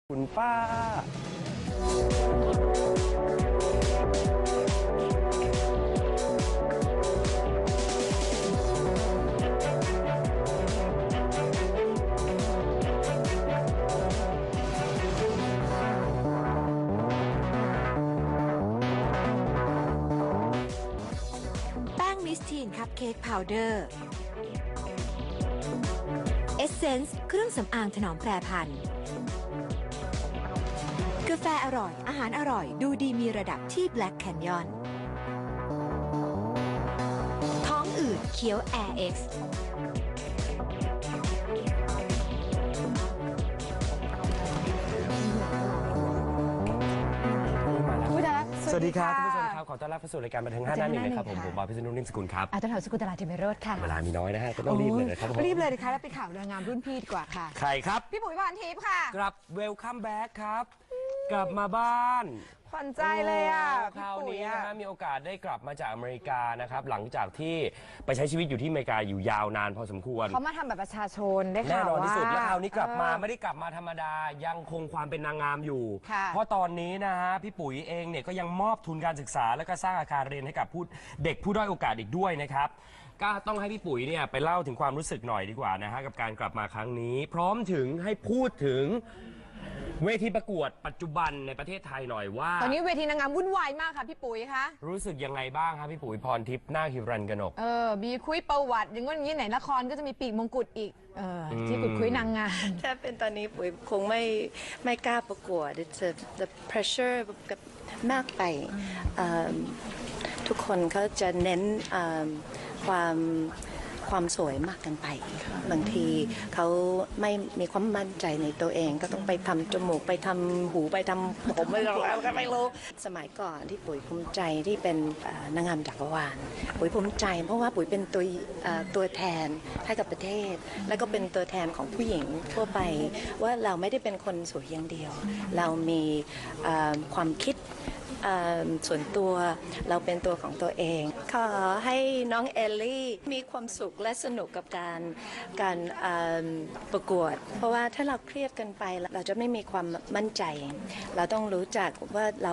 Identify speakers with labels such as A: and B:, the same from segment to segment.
A: คุณป้า
B: แป้งมิสทีนคัพเค้กพาวเดอร์เอสเซนส์เครื่องสำอางถนอมแปรพันธุ์กาแฟอร่อยอาหารอร่อยดูดีมีระดับที่ Black Canyon ท้องอืดเคี้ยว Air X
A: สวัสดีครับท่านผู้ชมครับขอต้อนรับเข้าสู่รายการบันเทิง5 หน้า 1นะครับผมบอยพิษณุนิ่มสกุลครับ
C: อาจารย์แถวสกุลตลาดเทมโรธค่ะ
A: เวลามีน้อยนะฮะก็ต้องรีบเลยนะครับ
C: รีบเลยนะคะแล้วไปข่าวนางงามรุ่นพี่ดีกว่าค่ะ
A: ใครครับ
C: พี่ปุ๋ยพรทิพย์ค่ะ
A: กลับเวลคัมแบ็กครับกลับมาบ้าน
C: ขวัญใจเลยอ่ะ
A: คราวนี้นะฮะมีโอกาสได้กลับมาจากอเมริกานะครับหลังจากที่ไปใช้ชีวิตอยู่ที่อเมริกาอยู่ยาวนานพอสมควร
C: เขามาทำแบบประชาชนได้ข่าวว่า
A: แน่นอนที่สุดแล้วคราวนี้กลับมาไม่ได้กลับมาธรรมดายังคงความเป็นนางงามอยู่เพราะตอนนี้นะฮะพี่ปุ๋ยเองเนี่ยก็ยังมอบทุนการศึกษาและก็สร้างอาคารเรียนให้กับเด็กผู้ด้อยโอกาสอีกด้วยนะครับก็ต้องให้พี่ปุ๋ยเนี่ยไปเล่าถึงความรู้สึกหน่อยดีกว่านะฮะกับการกลับมาครั้งนี้พร้อมถึงให้พูดถึงเวทีประกวดปัจจุบันในประเทศไทยหน่อยว่า
C: ตอนนี้เวทีนางงามวุ่นวายมากค่ะพี่ปุ๋ยคะ
A: รู้สึกยังไงบ้างครับพี่ปุ๋ยพรทิพย์นาคฮิรัญกนก
C: มีคุยประวัติอย่างงี้ไหนละครก็จะมีปีกมงกุฎอีกที่ขุดคุยนางงาม
D: ถ้าเป็นตอนนี้ปุ๋ยคงไม่กล้าประกวด the pressure กับมากไปทุกคนเขาจะเน้นความสวยมากกันไปบางทีเขาไม่มีความมั่นใจในตัวเองก็ต้องไปทำจมูกไปทำหูไปทำผมไม่รู้สมัยก่อนที่ปุ๋ยภูมิใจที่เป็นนางงามจักรวาลปุ๋ยภูมิใจเพราะว่าปุ๋ยเป็นตัวแทนให้กับประเทศแล้วก็เป็นตัวแทนของผู้หญิงทั่วไปว่าเราไม่ได้เป็นคนสวยอย่างเดียวเรามีความคิดส่วนตัวเราเป็นตัวของตัวเองขอให้น้องเอลลี่มีความสุขและสนุกกับการประกวดเพราะว่าถ้าเราเครียดกันไปเราจะไม่มีความมั่นใจเราต้องรู้จักว่าเรา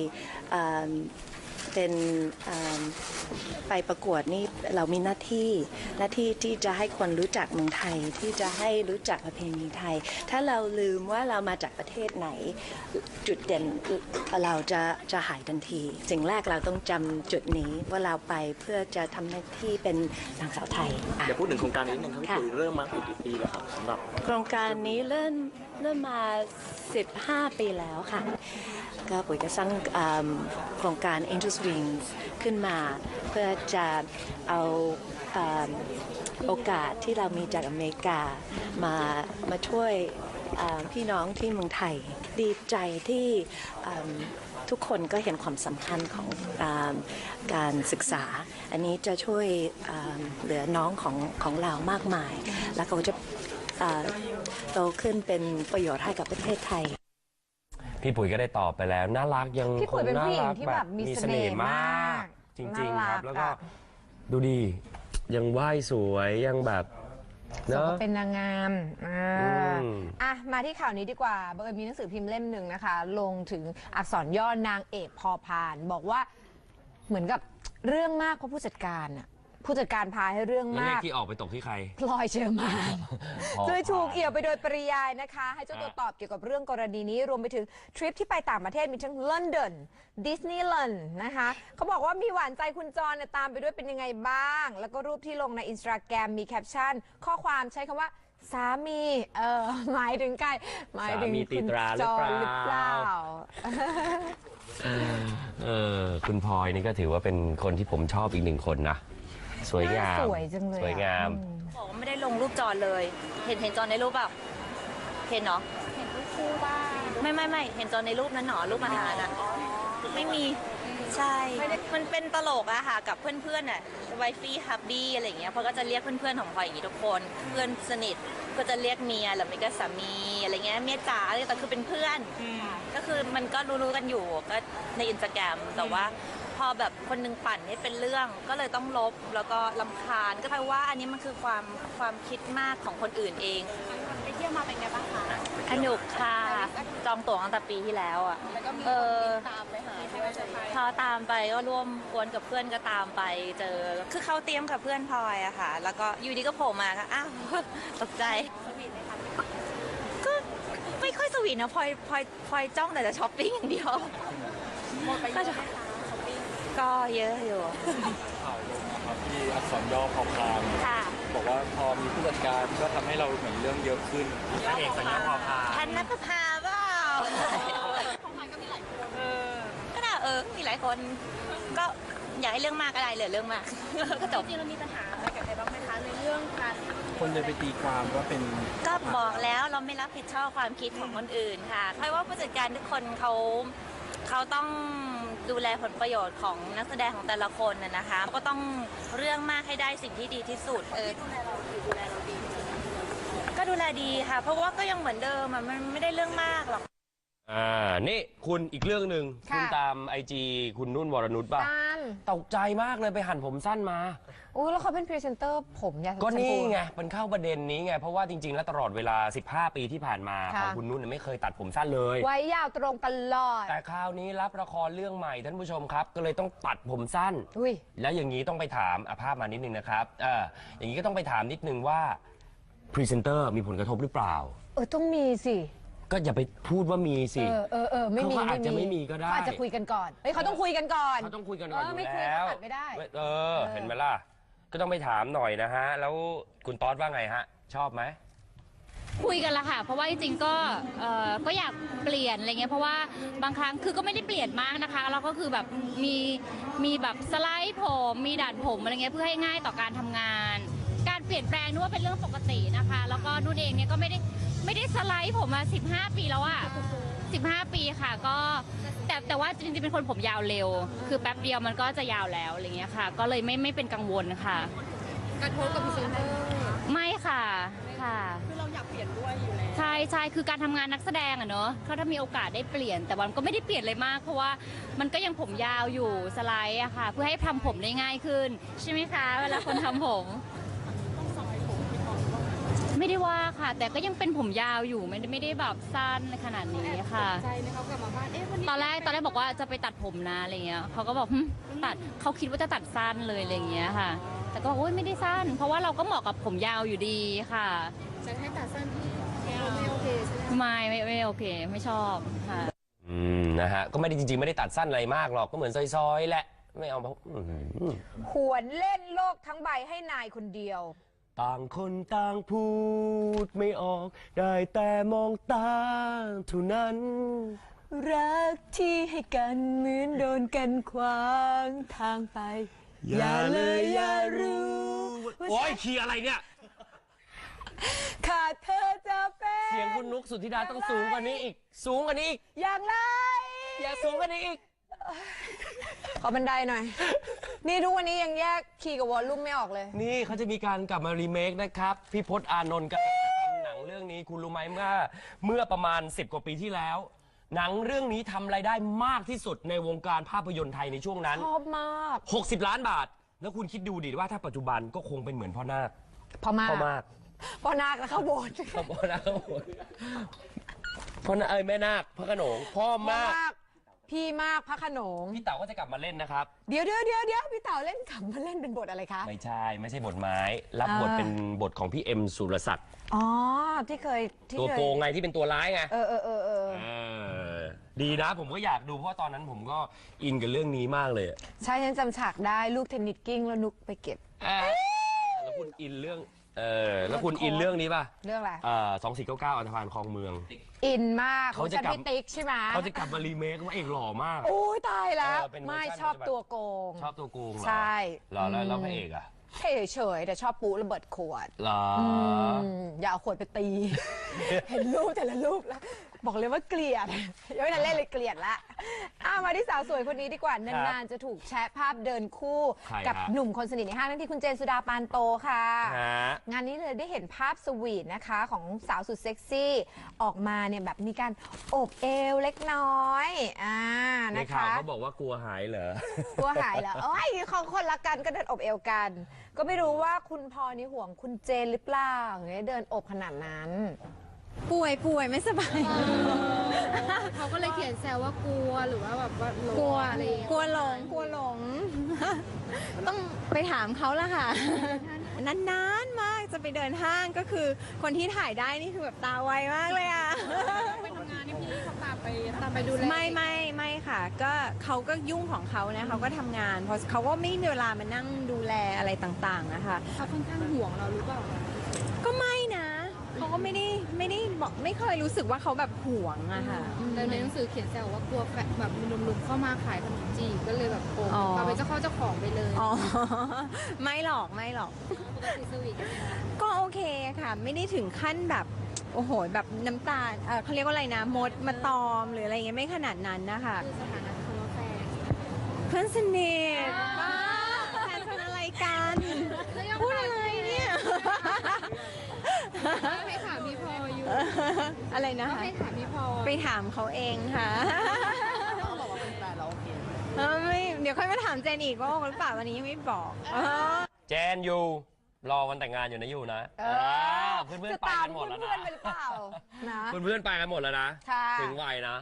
D: ไปประกวดนี่เรามีหน้าที่ที่จะให้คนรู้จักเมืองไทยที่จะให้รู้จักประเพณีไทยถ้าเราลืมว่าเรามาจากประเทศไหนจุดเด่นเราจะหายทันทีสิ่งแรกเราต้องจำจุดนี้ว่าเราไปเพื่อจะทำหน้าที่เป็นนางสาวไทย
E: เดี๋ยวพูดถึงโครงการนี้หนึ่งครับเริ่มมากี่ปีแล้วครับสำหรับ
D: โครงการนี้เริ่มมา15 ปีแล้วค่ะก็ปุ๋ยก็สร้างโครงการ Angels Wings ขึ้นมาเพื่อจะเอาโอกาสที่เรามีจากอเมริกามาช่วยพี่น้องที่เมืองไทยดีใจที่ทุกคนก็เห็นความสำคัญของการศึกษาอันนี้จะช่วยเหลือน้องของเรามากมายแล้วเขาจะโตขึ้นเป็นประโยชน์ให้กับประเทศไทย
A: พี่ปุ๋ยก็ได้ตอบไปแล้วน่ารักยัง
C: พี่ปุ๋ยเป็นผู้หญิงที่แบบมีเสน่ห์มาก
A: จริงๆครับแล้วก็ดูดียังไหว้สวยยังแบบ
C: เนอะเป็นนางงามมาที่ข่าวนี้ดีกว่าบังเอิญมีหนังสือพิมพ์เล่มหนึ่งนะคะลงถึงอักษรย่อนางเอกพอพานบอกว่าเหมือนกับเรื่องมากเพราะผู้จัดการพาให้เรื่องมาก
A: ที่ออกไปตกที่ใคร
C: พลอยเชอร์มานโดยถูกเอี่ยวไปโดยปริยายนะคะให้เจ้าตัวตอบเกี่ยวกับเรื่องกรณีนี้รวมไปถึงทริปที่ไปต่างประเทศมีทั้งลอนดอนดิสนีย์แลนด์นะคะเขาบอกว่ามีหวานใจคุณจรตามไปด้วยเป็นยังไงบ้างแล้วก็รูปที่ลงใน Instagram มีแคปชั่นข้อความใช้คำว่าสามีหมายถึงใครหมายถึงคุณจรหรือเปล่า
A: คุณพลอยนี่ก็ถือว่าเป็นคนที่ผมชอบอีกหนึ่งคนนะสวยงาม
C: สวยจังเลย
A: สวยงาม
F: บอกว่าไม่ได้ลงรูปจอนเลยเห็นจอนในรูปเปล่าเห็นเนาะเห็นรูปคู่บ้างไม่เห็นจอนในรูปนั้นหนอรูปอาหารนะไม่มีใช่มันเป็นตลกอะค่ะกับเพื่อนๆน่ะไวฟี่ฮับบี้อะไรอย่างเงี้ยเพราะก็จะเรียกเพื่อนๆของพลอยอย่างนี้ทุกคนเพื่อนสนิทก็จะเรียกเมียหรือไม่ก็สามีอะไรเงี้ยเมียจ๋าอะไรแต่คือเป็นเพื่อนก็คือมันก็รู้ๆกันอยู่ก็ในอินสตาแกรมแต่ว่าพอแบบคนนึงปั่นให้เป็นเรื่องก็เลยต้องลบแล้วก็รำคาญก็แปลว่าอันนี้มันคือความคิดมากของคนอื่นเองไปเที่ยวมาเป็นไงบ้างคะสนุกค่ะจองตั๋วตั้งแต่ปีที่แล้วอ่ะตามไปหาพอตามไปก็ร่วมกวนกับเพื่อนก็ตามไปเจอคือเขาเตรียมกับเพื่อนพลอยอะค่ะแล้วก็อยู่ดีก็โผล่มาก็อ้าวตกใจก็ไม่ค่อยสวีทนะพลอยจ้องแต่จะช้อปปิ้งอย่างเดียวก็เยอะอยู่
E: ข่าวลงนะครับที่อักษรย่อพอพาน
F: ค่ะ
E: บอกว่าพอมีผู้จัดการก็ทำให้เราเหมือนเรื่องเยอะขึ้น
A: พระเอกสัญญาพอพา
F: พันนับพาเปล่าของไทยก็มีหลายคนก็ได้มีหลายคนก็อยากให้เรื่องมากก็ได้เหลือเรื่องมากก็จบจริงเรามีปัญหาอะไรกับใครบ้างไหมคะในเรื่องการ
E: คนเลยไปตีความว่าเป็น
F: ก็บอกแล้วเราไม่รับผิดชอบความคิดของคนอื่นค่ะเพราะว่าผู้จัดการทุกคนเขาต้องดูแลผลประโยชน์ของนักแสดงของแต่ละคนนะคะก็ต้องเรื่องมากให้ได้สิ่งที่ดีที่สุดก็ดูแลดีค่ะ เพราะว่าก็ยังเหมือนเดิมมันไม่ได้เรื่องมากหรอก
A: นี่คุณอีกเรื่องหนึ่ง
C: ค่ะ
A: คุณตามไอจีคุณนุ่นวรนุชป่ะ
C: ตาม
A: ตกใจมากเลยไปหั่นผมสั้นมา
C: อู้แล้วเขาเป็นพรีเซนเตอร์ผมยาว
A: ก็นี่
C: ชมพู
A: ไงมันเข้าประเด็นนี้ไง เพราะว่าจริงๆ แล้วตลอดเวลา 15 ปีที่ผ่านมา
C: ค่ะ
A: ของคุณนุ่นเนยไม่เคยตัดผมสั้นเลย
C: ไว้ยาวตรงตลอด
A: แต่คราวนี้รับละครเรื่องใหม่ท่านผู้ชมครับ ก็เลยต้องตัดผมสั้น
C: อุ้ย
A: แล้วอย่างนี้ต้องไปถามภาพมานิดนึงนะครับอย่างนี้ก็ต้องไปถามนิดนึงว่าพรีเซนเตอร์มีผลกระทบหรือเปล่า
C: ต้องมีสิ
A: ก็อย่าไปพูดว่ามีสิ
C: ไม่มี
A: เขาอาจจะไม่มีก็ได้
C: เขาอาจจะคุยกันก่อนเฮ้ยเขาต้องคุยกันก่อน
A: เขาต้องคุยกันก่อนอยู่
C: ไม่คุย
A: แล้ว
C: ก็ตัดไม่ได้
A: เห็นไหมล่ะ ก็ต้องไปถามหน่อยนะฮะ แล้วคุณต๊อดว่าไงฮะ ชอบไหม
G: คุยกันละค่ะ เพราะว่าจริงๆก็อยากเปลี่ยนอะไรเงี้ยเพราะว่าบางครั้งคือก็ไม่ได้เปลี่ยนมากนะคะเราก็คือแบบมีแบบสไลด์ผมมีดัดผมอะไรเงี้ยเพื่อให้ง่ายต่อการทำงาน การเปลี่ยนแปลงนึกว่าเป็นเรื่องปกตินะคะแล้วก็นุ่นเองเนี่ยก็ไม่ได้สไลด์ผมมา15 ปีแล้วอะ15 ปีค่ะก็แต่ว่าจริงๆเป็นคนผมยาวเร็ว คือแป๊บเดียวมันก็จะยาวแล้วอะไรเงี้ยค่ะ ก็เลยไม่เป็นกังวลค่ะกระทบกับพรีเซนเตอร์ไม่ค่ะคือเราอยากเปลี่ยนด้วยอยู่แล้วใช่คือการทำงานนักแสดงอะเนอะเขาถ้ามีโอกาสได้เปลี่ยนแต่วันก็ไม่ได้เปลี่ยนเลยมาก เพราะว่ามันก็ยังผมยาวอยู่สไลด์อะค่ะ เพื่อให้ทำผมได้ง่ายขึ้นใช่ไหมคะเวลาคนทำผมไม่ได้ว่าค่ะ แต่ก็ยังเป็นผมยาวอยู่ไม่ได้แบบสั้นขนาดนี้ค่ะใจไหมเขากลับมาบ้านตอนแรกบอกว่าจะไปตัดผมนะอะไรเงี้ยเขาก็บอกตัดเขาคิดว่าจะตัดสั้นเลยอะไรเงี้ยค่ะ แต่ก็บอกโอ๊ยไม่ได้สั้น เพราะว่าเราก็เหมาะกับผมยาวอยู่ดีค่ะจะให้ตัดสั้นที่ไม่โอเคใช่ไหมไม่โอเคไม่ชอบค่ะ
A: นะฮะก็ไม่ได้จริงๆไม่ได้ตัดสั้นอะไรมากหรอกก็เหมือนซอยๆแหละไม่เอา
C: หวนเล่นโลกทั้งใบให้นายคนเดียว
A: ต่างคนต่างพูดไม่ออกได้แต่มองตาเท่านั้น
C: รักที่ให้กันเหมือนโดนกันขวางทางไป อย่าเลยอย่ารู้
A: โอ้ยคีย์อะไรเนี่ย
C: ขาดเธอจะเป็น
A: เสียงคุณนุกสุธิดาต้องสูงกว่านี้อีก สูงกว่านี้อีก
C: อย่างไร
A: อย่าสูงกว่านี้อีก
C: ขอบันไดหน่อย นี่ทุกวันนี้ยังแยกคีย์กับวอลลุ่มไม่ออกเลย
A: นี่เขาจะมีการกลับมารีเมคนะครับพี่พจน์อานนท์กับหนังเรื่องนี้คุณรู้ไหมเมื่อประมาณ10 กว่าปีที่แล้ว หนังเรื่องนี้ทำรายได้มากที่สุดในวงการภาพยนตร์ไทยในช่วงนั้น
C: ชอบมาก
A: 60 ล้านบาท แล้วคุณคิดดูดิว่าถ้าปัจจุบันก็คงเป็นเหมือนพ่อนาค
C: พ่อมาก
A: พ่อมาก
C: พ่อนาคแล้วเข้าโบสถ์
A: พ่อนาคพ่อนาคแม่นาคพระโขนงพ่อ
C: พ่อ
A: มาก
C: มาก พี่มากพระโขนง
A: พี่เต๋าก็จะกลับมาเล่นนะครับ
C: เดี๋ยวพี่เต๋าเล่นขำมาเล่นเป็นบทอะไรคะ
A: ไม่ใช่บทไม้ รับบทเป็นบทของพี่เอ็มสุรศักดิ์
C: อ๋อที่เคย
A: ตัวโกงไงที่เป็นตัวร้ายไง
C: เออ
A: ดีนะผมก็อยากดูเพราะตอนนั้นผมก็อินกับเรื่องนี้มากเลย
C: ใช่ฉันจำฉากได้ลูกเทนนิสกิ้งแล้วนุกไปเก็บ
A: แล้วคุณอินเรื่องแล้วคุณอินเรื่องนี้ป่ะ
C: เรื่องอะไร
A: 2499อันธพาลคลองเมือง
C: อินมาก
A: เขาจะ
C: ฉัน
A: กลับ
C: พี่ติ๊กใช่ไหม
A: เขาจะกลับมารีเมคว่าเอกหล่อมาก
C: โอ้ยตายแล้ว
A: เป็นเวอร์ชัน
C: ไม่ชอบตัวโกง
A: ชอบตัวโกงเหรอ
C: ใช่
A: เหรอแล้วพระเอกอะ
C: เฉยๆแต่ชอบปูระเบิดขวด
A: เหรอ
C: อย่าเอาขวดไปตี เห็นรูปแต่ละรูปแล้ว บอกเลยว่าเกลียดยังไม่ทันเล่นเลยเกลียดละมาที่สาวสวยคนนี้ดีกว่า นานๆจะถูกแชะภาพเดินคู่ กับหนุ่มคนสนิทในห้างนั่นที่คุณเจนสุดาปานโตค่ะ งานนี้เลยได้เห็นภาพสวีทนะคะของสาวสุดเซ็กซี่ออกมาเนี่ยแบบมีการโอบเอวเล็กน้อย
A: ใน
C: นะคะ
A: ข่าวเขาบอกว่ากลัวหายเหรอ
C: กลัวหายเหรอโอ้ยของคนละกันก็เดินอบเอวกัน ก็ไม่รู้ว่าคุณพอนี่ห่วงคุณเจนหรือเปล่าเนี่ยเดินอบขนาดนั้นป่วยไม่สบาย
G: เขาก็เลยเขียนแซวว่ากลัวหรือว่าแบบว่าก
C: ลัว
G: อะไร
C: กลัวหลง ต้องไปถามเขาละค่ะ นานๆมากจะไปเดินห้างก็คือคนที่ถ่ายได้นี่คือแบบตาไวมากเลยอ่ะ
G: ไปทำงานนี่พี่เขาตามไปดูแล
C: ไม่ค่ะ ก็เขาก็ยุ่งของเขานะเขาก็ทำงานเพราะเขาก็ไม่มีเวลามานั่งดูแลอะไรต่างๆนะคะ
G: เขาค่อนข้างห่วงเราหรือเปล่า
C: ก็ไม่นะเขาก็ไม่ได้บอกไม่เคยรู้สึกว่าเขาแบบห่วงอะค่ะ
G: แต่ในหนังสือเขียนแซวว่ากลัวแบบมีหนุ่มๆเข้ามาขายขนมจีบก็เลยแบบโกง
C: อ๋อ
G: เอาเป็นเจ้าของไปเลย
C: อ๋อ ไม่หรอก
G: ปกติสวีทกันไหมคะ
C: ก็โอเคค่ะ ไม่ได้ถึงขั้นแบบโอ้โหแบบน้ำตาเขาเรียกว่าอะไรนะมดมาตอมหรืออะไรเงี้ยไม่ขนาดนั้นนะคะ
G: คือสถานะคำว่าแฟน
C: เพื่อนสนิทบ้าแฟนเป็นอะไรกันพูดอะไรเนี่ย
G: ให้ถามพี่พลอยอยู่
C: อะไรนะคะ
G: ให้ถามพี่พลอย
C: ไปถามเขาเองค่ะไม่เดี๋ยวค่อยมาถามเจนอีกว่าโอหรือเปล่าวันนี้ยังไม่บอก
A: เจนอยู่รอวันแต่งงานอยู่นะอยู่นะเพื่อนๆไปกันหมดแล้วนะ
C: จะตามเพื่อนๆไปหรือเปล่านะ
A: เพื่อนๆไปกันหมดแล้วนะ
C: ค่ะ
A: ถึงวัยนะ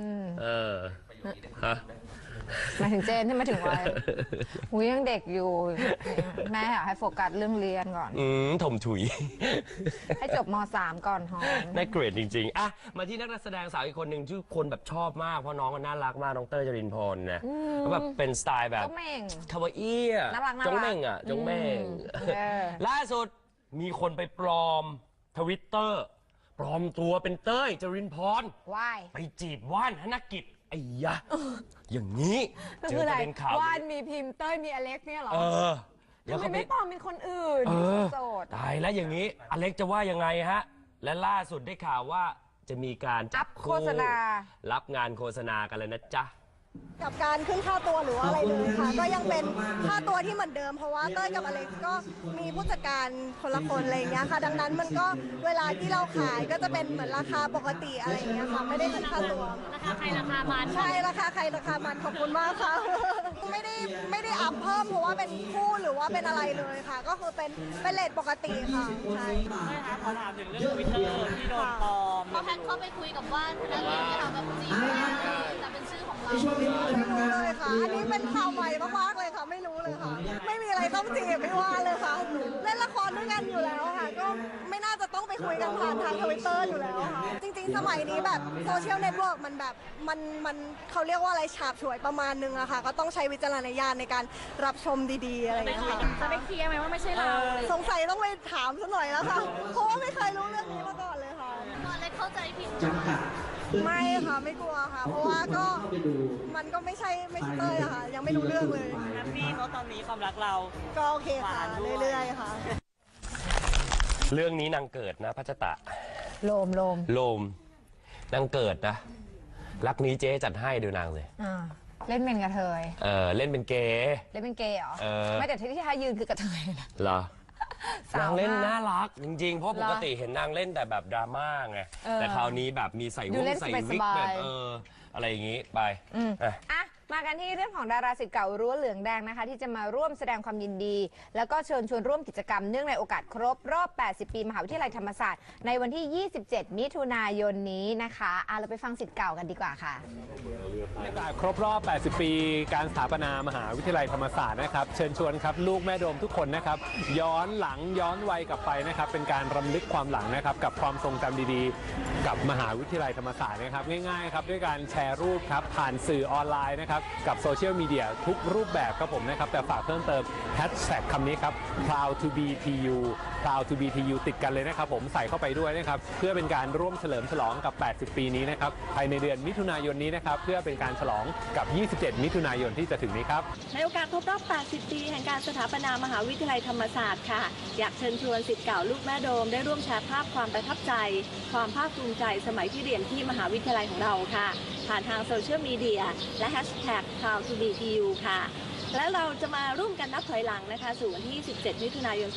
A: ฮะ
C: มาถึงเจนที่มาถึงวัยหูยังเด็กอยู่ แม่อยากให้โฟกัสเรื่องเรียนก่อน
A: ถมถุย
C: ให้จบม .3 ก่อนหอม
A: ได้เกรดจริงๆอ่ะมาที่นักแสดงสาวอีกคนหนึ่งที่คนแบบชอบมากเพราะน้องก็น่ารักมากน้องเต้ยจรินพรนะแล้วแบบเป็นสไตล์แบบ
C: จงเม่ง
A: คาวาอี้อะ
C: น่ารัก
A: จงเม่งอ่ะจงเม่ง ล่าสุดมีคนไปปลอมทวิตเตอร์ปลอมตัวเป็นเต้ยจรินพร
C: ว่าย
A: ไปจีบว่านธนกิจไอ้ยะอย่างนี้เจอประเด็นข่าว
C: ว่านมีพิมพ์เต้ยมีอเล็กเนี่ยเหรอ
A: แล้ว
C: ทำไม
A: เขาไป
C: ไม่ปลอมเป็นคนอื่นโสด
A: ตายแล้วอย่างนี้อเล็กจะว่ายังไงฮะ และล่าสุดได้ข่าวว่าจะมีการจับ
C: โฆษณา
A: รับงานโฆษณากันเลยนะจ๊ะ
H: กับการขึ้นค่าตัวหรือว่าอะไรเลยค่ะ ก็ยังเป็นค่าตัวที่เหมือนเดิมเพราะว่าเต้ยกับอเล็กซ์ก็มีผู้จัดการคนละคนอะไรอย่างเงี้ยค่ะ ดังนั้นมันก็เวลาที่เราขายก็จะเป็นเหมือนราคาปกติอะไรอย่างเงี้ยค่ะไม่ได้ขึ้นค่าตัว
G: ราคาใครราคามัน
H: ใช่ราคาใครราคามันขอบคุณมากค่ะ ไม่ได้อัพเพิ่มเพราะว่าเป็นคู่หรือว่าเป็นอะไรเลยค่ะ ก็คือเป็นเรทปกติค่ะใช่
E: ขอถามถึงเรื่องทวิตเตอร์ที่โดนปลอม
G: พอแพทเข้าไปคุยกับว่านแล้วเรียนจะทำแบบจีบแต่เป็นชื่อของเรา
H: ไม่รู้เลยค่ะ อันนี้เป็นข่าวใหม่มากๆเลยค่ะ ไม่รู้เลยค่ะ ไม่มีอะไรต้องจีบไม่ว่าเลยค่ะ เล่นละครด้วยกันอยู่แล้วค่ะ ก็ไม่น่าจะต้องไปคุยกันผ่านทางทวิตเตอร์อยู่แล้วค่ะ จริงๆ สมัยนี้แบบโซเชียลเน็ตเวิร์กมันแบบมันเขาเรียกว่าอะไรฉาบฉวยประมาณนึงอะค่ะ ก็ต้องใช้วิจารณญาณในการรับชมดีๆอะไรอย่างเงี้ยค่ะ
G: จะได้เคลียร์ไหมว่าไม่ใช่เรา
H: สงสัยต้องไปถามซะหน่อยแล้วค่ะ เพราะว่าไม่เคยรู้เรื่องนี้มาก่อนเลยค่ะ
G: ตอนแรกเข้าใจผิด
H: ไม่ค่ะไม่กลัวค่ะ เพราะว่าก็มันก็ไม่ใช่เต้ยอะค่ะ ยังไม่รู้เรื่องเลย
E: แฮปปี้เพราะตอนนี้ความรักเรา
H: ก็โอเคค่ะ เรื่อยๆค่ะ
A: เรื่องนี้นางเกิดนะพัชตะ
C: โลม
A: โลมนางเกิดนะ รักนี้เจ๊จัดให้ดูนางเลย
C: เล่นเป็นกระเทย
A: เล่นเป็นเกย์
C: เล่นเป็นเกย์เหรอ
A: เออ
C: ไม่แต่ที่ท่ายืนคือกระเทยนะ
A: เหรอ
C: สาวมาก
A: นางเล่นน่ารักจริงๆ เพราะ
C: เหรอ
A: ปกติเห็นนางเล่นแต่แบบดราม่าไง แต่คราวนี้แบบมีใส่
C: ดู
A: วง
C: เล่น
A: ใส่วิก
C: สบายๆ
A: แบบอะไรอย่างงี้ไปอ่ะ
C: อ่ะมากันที่เรื่องของดาราศิษย์เก่ารั้วเหลืองแดงนะคะ ที่จะมาร่วมแสดงความยินดี แล้วก็เชิญชวนร่วมกิจกรรมเนื่องในโอกาสครบรอบ 80 ปีมหาวิทยาลัยธรรมศาสตร์ในวันที่ 27 มิถุนายนนี้นะคะเราไปฟังศิษย์เก่ากันดีกว่าค่ะ
I: ครบรอบ 80 ปีการสถาปนามหาวิทยาลัยธรรมศาสตร์นะครับ เชิญชวนครับลูกแม่โดมทุกคนนะครับ ย้อนหลังย้อนวัยกลับไปนะครับ เป็นการรำลึกความหลังนะครับกับความทรงจำดีๆ กับมหาวิทยาลัยธรรมศาสตร์นะครับง่ายๆครับด้วยการแชร์รูปครับผ่านสื่อออนไลน์นะครับกับโซเชียลมีเดียทุกรูปแบบครับผมนะครับแต่ฝากเพิ่มเติมแฮชแท็กคำนี้ครับ proud to be tu proud to be tu ติดกันเลยนะครับผมใส่เข้าไปด้วยนะครับเพื่อเป็นการร่วมเฉลิมฉลองกับ 80 ปีนี้นะครับภายในเดือนมิถุนายนนี้นะครับเพื่อเป็นการฉลองกับ 27 มิถุนายนที่จะถึงนี้ครับ
J: ในโอกาสครบรอบ 80 ปีแห่งการสถาปนามหาวิทยาลัยธรรมศาสตร์ค่ะอยากเชิญชวนศิษย์เก่าลูกแม่โดมได้ร่วมแชร์ภาพความประทับใจความภาคภูมิใจสมัยที่เรียนที่มหาวิทยาลัยของเราค่ะผ่านทางโซเชียลมีเดียและแฮชแท็ก proud to be tu ค่ะและเราจะมาร่วมกันนับถอยหลังนะคะสู่วันที่ 17 มิถุนายน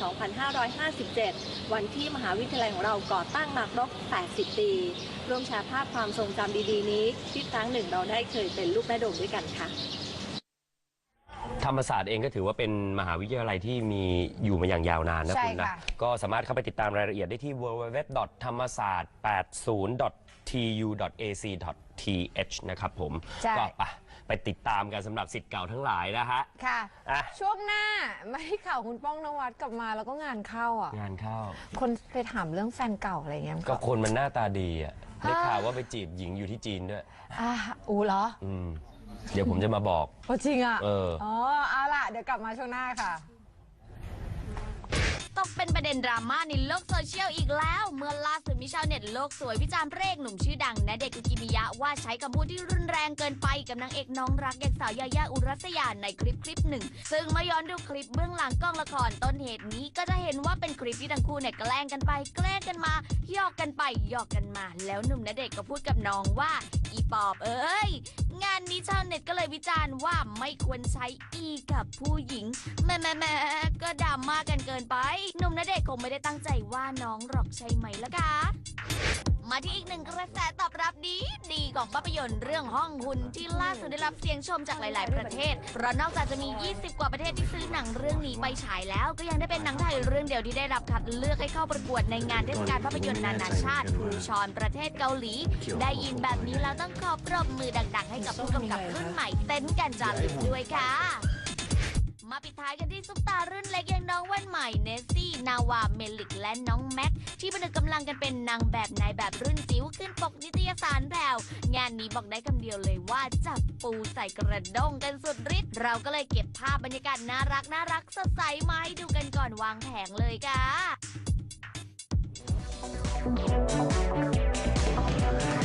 J: 2557 วันที่มหาวิทยาลัยของเราก่อตั้งมาครบ 80 ปีร่วมแชร์ภาพความทรงจำดีๆนี้ที่ครั้งหนึ่งเราได้เคยเป็นลูกแม่โดมด้วยกันค่ะ
A: ทธรรมศาสตร์เองก็ถือว่าเป็นมหาวิทยาลัยที่มีอยู่มาอย่างยาวนานนะคุณนะก็สามารถเข้าไปติดตามรายละเอียดได้ที่ www.thammasart80.tu.ac.th นะครับผมก็ไปติดตามกันสำหรับศิษย์เก่าทั้งหลายนะฮะ
C: ค่ะช่วงหน้าไม่ให้ข่าวคุณป้องนวัดกลับมาแล้วก็งานเข้าอ่ะ
A: งานเข้า
C: คนไปถามเรื่องแฟนเก่าอะไรเงี้ย
A: ก็คนมันหน้าตาดีอ่ะได้ข่าวว่าไปจีบหญิงอยู่ที่จีนด้วย
C: เหรอ
A: เดี๋ยวผมจะมาบอก
C: จริงอ่ะเอาล่ะเดี๋ยวกลับมาช่วงหน้าค่ะ
K: ตกเป็นประเด็นดราม่าในโลกโซเชียลอีกแล้วเมื่อล่าสุดมีชาวเน็ตโลกสวยวิจารณ์พระเอกหนุ่มชื่อดังณเดชน์ คุกิมิยะว่าใช้คำพูดที่รุนแรงเกินไปกับนางเอกน้องรักอย่างสาวยายาอุรัสยาในคลิปหนึ่งซึ่งเมื่อย้อนดูคลิปเบื้องหลังกล้องละครต้นเหตุนี้ก็จะเห็นว่าเป็นคลิปที่ทั้งคู่เนี่ยแกล้งกันไปแกล้งกันมาหยอกกันไปหยอกกันมาแล้วหนุ่มณเดชน์ก็พูดกับน้องว่าอีปอบเอ้ยงานนี้ชาวเน็ตก็เลยวิจารณ์ว่าไม่ควรใช้อีกับผู้หญิงแม่ก็ดราม่ากันเกินไปหนุ่มณเดชน์คงไม่ได้ตั้งใจว่าน้องหรอกใช่ไหมล่ะคะมาที่อีกหนึ่งกระแสตอบรับดีของภาพยนตร์เรื่องห้องหุ่นที่ล่าสุดได้รับเสียงชมจากหลายๆประเทศเพราะนอกจากจะมี20กว่าประเทศที่ซื้อหนังเรื่องนี้ไปฉายแล้วก็ยังได้เป็นหนังไทยเรื่องเดียวที่ได้รับคัดเลือกให้เข้าประกวดในงานเทศกาลภาพยนตร์นานาชาติภูชรประเทศเกาหลีได้ยินแบบนี้แล้วต้องขอปรบมือดังๆให้กับผู้กำกับรุ่นใหม่เต้นกันจารึกด้วยค่ะมาปิดท้ายกันที่ซุปตารุ่นเล็กอย่างน้องแว่นใหม่เนสซี่นาวาเมลิกและน้องแม็กที่ผนึกกำลังกันเป็นนางแบบนายแบบรุ่นจิ๋วขึ้นปกนิตยสารแพรวงานนี้บอกได้คำเดียวเลยว่าจับปูใส่กระด้งกันสุดฤทธิ์เราก็เลยเก็บภาพบรรยากาศน่ารักสดใสมาให้ดูกันก่อนวางแผงเลยค่ะ